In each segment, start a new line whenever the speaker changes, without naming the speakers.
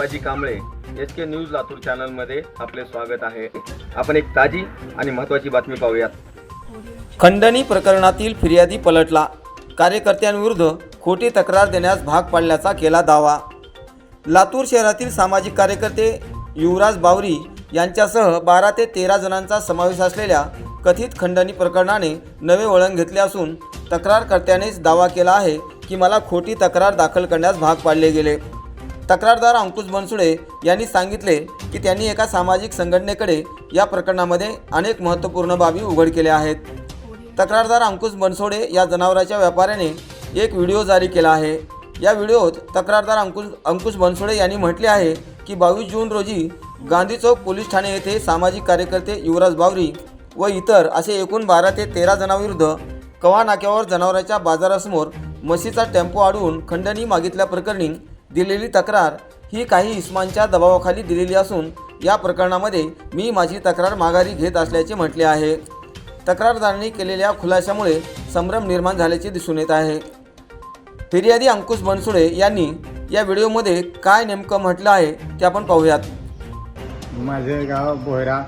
ताजी Kamble SK news Latur चॅनलमध्ये आपले स्वागत आहे। आपण एक ताजी आणि महत्त्वाची बातमी पाहूयात।
खंडणी प्रकरणातील फिर्यादी पलटला, कार्यकर्त्यांविरुद्ध खोटी तक्रार देण्यास भाग पाडल्याचा केला दावा। लातूर शहरातील सामाजिक कार्यकर्ते युवराज बावरी यांच्यासह 12 ते 13 जणांचा समावेश असलेल्या कथित खंडणी प्रकरणाने नवे वळण घेतले असून तक्रारकर्त्यानेच दावा केला आहे की मला खोटी तक्रार दाखल करण्यास भाग पाडले गेले। तक्रारदार अंकुश बनसोडे यांनी सांगितले की त्यांनी एका सामाजिक संघटनेकडे या प्रकरणामध्ये अनेक महत्त्वपूर्ण बाबी उघड केल्या आहेत। तक्रारदार अंकुश बनसोडे या जनावरांच्या व्यापाऱ्याने एक व्हिडिओ जारी केला आहे। या व्हिडिओत तक्रारदार अंकुश बनसोडे यांनी म्हटले आहे की 22 जून रोजी गांधी चौक पोलीस ठाणे येथे सामाजिक कार्यकर्ते युवराज बावरी व इतर असे एकूण 12 ते 13 जणांविरुद्ध कवा नाक्यावर जनावरांच्या बाजारासमोर म्हशीचा टेम्पो अडवून खंडणी मागितल्याप्रकरणी दिलेली तक्रार ही काही इस्मांच्या दबावाखाली दिलेली असून या प्रकरणामध्ये मी माझी तक्रार माघारी घेत असल्याचे म्हटले आहे। तक्रारदारांनी केलेल्या खुलाशामुळे संभ्रम निर्माण झाल्याचे दिसून येत आहे। फिर्यादी अंकुश बनसोडे यांनी या व्हिडिओमध्ये काय नेमकं म्हटलं आहे ते आपण पाहूयात।
माझे गाव बोहरा,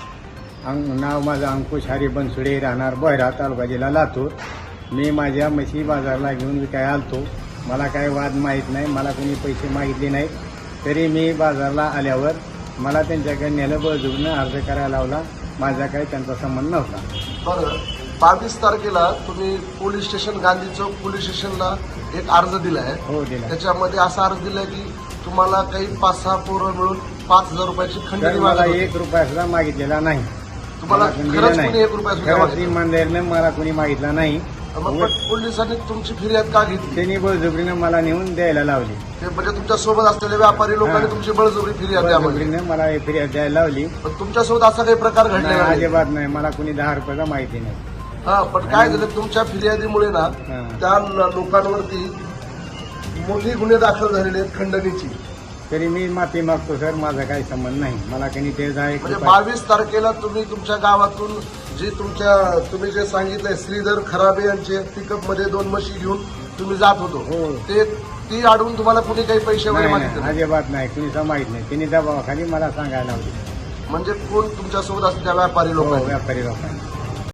नाव माझं अंकुश हरी बनसोडे, राहणार बोहरा, तालुका जिल्हा लातूर। मी माझ्या म्हशी बाजारला घेऊन विकाय आलतो। मला काय वाद माहीत नाही, मला कोणी पैसे मागितले नाही, तरी मी बाजारला आल्यावर मला त्यांच्याकडे नेलं, बळजबरीनं अर्ज करायला लावला। माझा काही त्यांचा संबंध नव्हता।
बरं, 22 तारखेला तुम्ही police station Gandhi Chowk police स्टेशनला एक अर्ज दिला आहे।
हो, दिला।
त्याच्यामध्ये असा अर्ज दिला की तुम्हाला काही 5-6 पोरं मिळून 5000 रुपयाची खंडणी
मला
मागितली
1 रुपया सुद्धा मागितलेला नाही।
तुम्हाला खरंच कोणी 1 रुपया सुद्धा मागितला?
इमानदारीनं मला कोणी मागितला नाही।
मग पण पोलिसांनी तुमची फिर्याद का घेतली?
त्यांनी बळजबरीनं मला नेऊन द्यायला लावली।
ते म्हणजे तुमच्या सोबत असलेले व्यापारी लोकांनी तुमची बळजबरी फिर्याद द्यावी,
बळजबरीनं मला फिर्याद द्यायला लावली।
पण तुमच्यासोबत असा काही प्रकार घडलेला
नाही,
नाही?
अजिबात नाही। मला कोणी 10 रुपयाचा माहिती नाही।
हा, पण काय झालं तुमच्या फिर्यादीमुळे ना त्या लोकांवरती मोठी गुन्हे दाखल झालेले आहेत खंडणीची।
तरी मी माफी मागतो सर, माझा काही संबंध नाही। मला काही ते
म्हणजे 22 तारखेला तुम्ही तुमच्या गावातून तुम्ही जे सांगितलंय श्रीधर खराबे यांचे पिकअप मध्ये 2 म्हशी घेऊन तुम्ही जात होतो, ती अडवून तुम्हाला कुणी काही पैसे वगैरे मागितले?
अजिबात नाही, कुणीचा माहित नाही। त्यांनी दबावाखाली मला सांगायला लावली।
म्हणजे कोण तुमच्यासोबत असते त्या व्यापारी लोकांनी?
व्यापारी लोकांनी